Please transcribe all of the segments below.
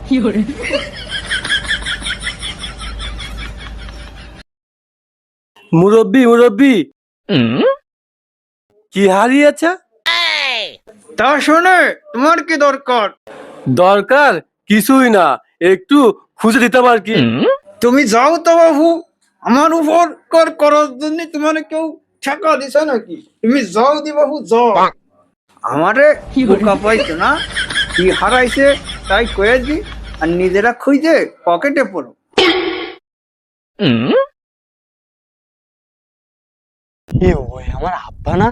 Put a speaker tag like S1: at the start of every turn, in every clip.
S1: মুরব্বি মুরব্বি কি হারিয়েছে?
S2: তা শোনে, তোমার কি দরকার?
S1: দরকার কিছুই না, একটু খুঁজে দিতে পার কি?
S2: তুমি যাও তো বাবু, আমার উপর করার জন্য তোমার কেউ টাকা দিছে নাকি? তুমি যাও দি বাবু, যাও। আমারে বোকা পাইছো না? কি হারাইছে তাই কয়ে দি, আর নিজেরা খুঁজে পকেটে পড়ো।
S1: আমার আব্বা না?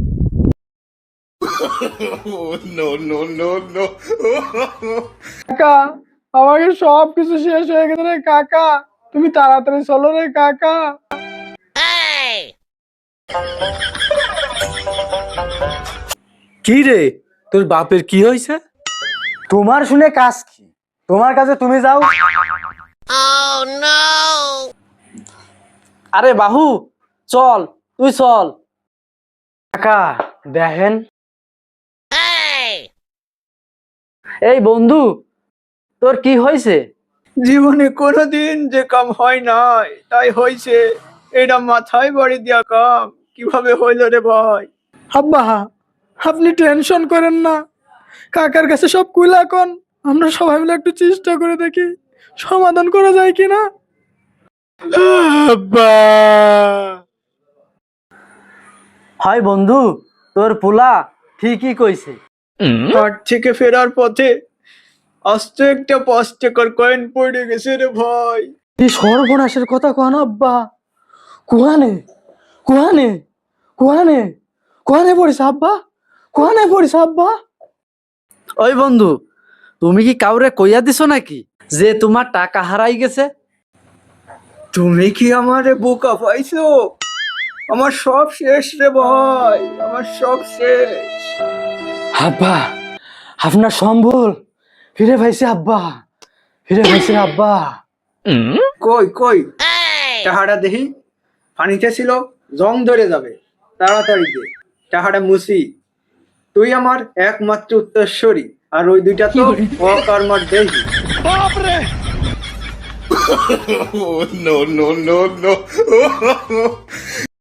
S3: কাকা, আমাকে সব কিছু শেষ হয়ে গেছে রে কাকা, তুমি তাড়াতাড়ি চলো রে কাকা।
S1: কি রে, তোর বাপের কি হয়েছে?
S3: তোমার শুনে কাজ কি? তোমার কাছে তুমি যাও।
S1: আরে বাহু, চল তুই চল।
S3: কাকা দেখেন, এই বন্ধু, তোর কি হয়েছে?
S2: জীবনে কোনোদিন যে কাম হয় নাই তাই হয়েছে, এটা মাথায় বাড়ি দিয়া কাম কিভাবে হইল রে ভাই?
S3: আব্বা, আপনি টেনশন করেন না, কাকার কাছে সব কুলা কোন, আমরা সবাই মিলে একটু চেষ্টা করে দেখি সমাধান করা যায় কিনা।
S1: আব্বা,
S3: হয় বন্ধু, তোর পোলা ঠিকই কইছে।
S2: হাট থেকে ফেরার পথে আস্তে একটা 5 টাকার কয়েন পড়ে গেছে রে ভাই।
S3: এই সর্বনাশের কথা কোন আব্বা? কুহানে কুহানে কুহানে কুহানে পড়িস আব্বা, কুহানে পড়িস আব্বা।
S4: ওই বন্ধু, তুমি কি কাউরে কইয়া দিছো নাকি যে তোমার টাকা হারাই গেছে?
S2: তুমি কি আমারে বোকা পাইছো? আমার সব শেষ রে ভাই, আমার সব শেষ।
S3: আব্বা, আপনার সম্বল ফিরে পাইছে আব্বা, ফিরে পাইছে আব্বা।
S2: কই কই টাহাটা দেখি, পানিতে ছিল, জং ধরে যাবে, তাড়াতাড়ি দে টাহাটা মুছি। তুই আমার একমাত্র উত্তরস্বরী, আর ওই দুইটা তো অকর্মার দেহি।
S5: no, no, no, no.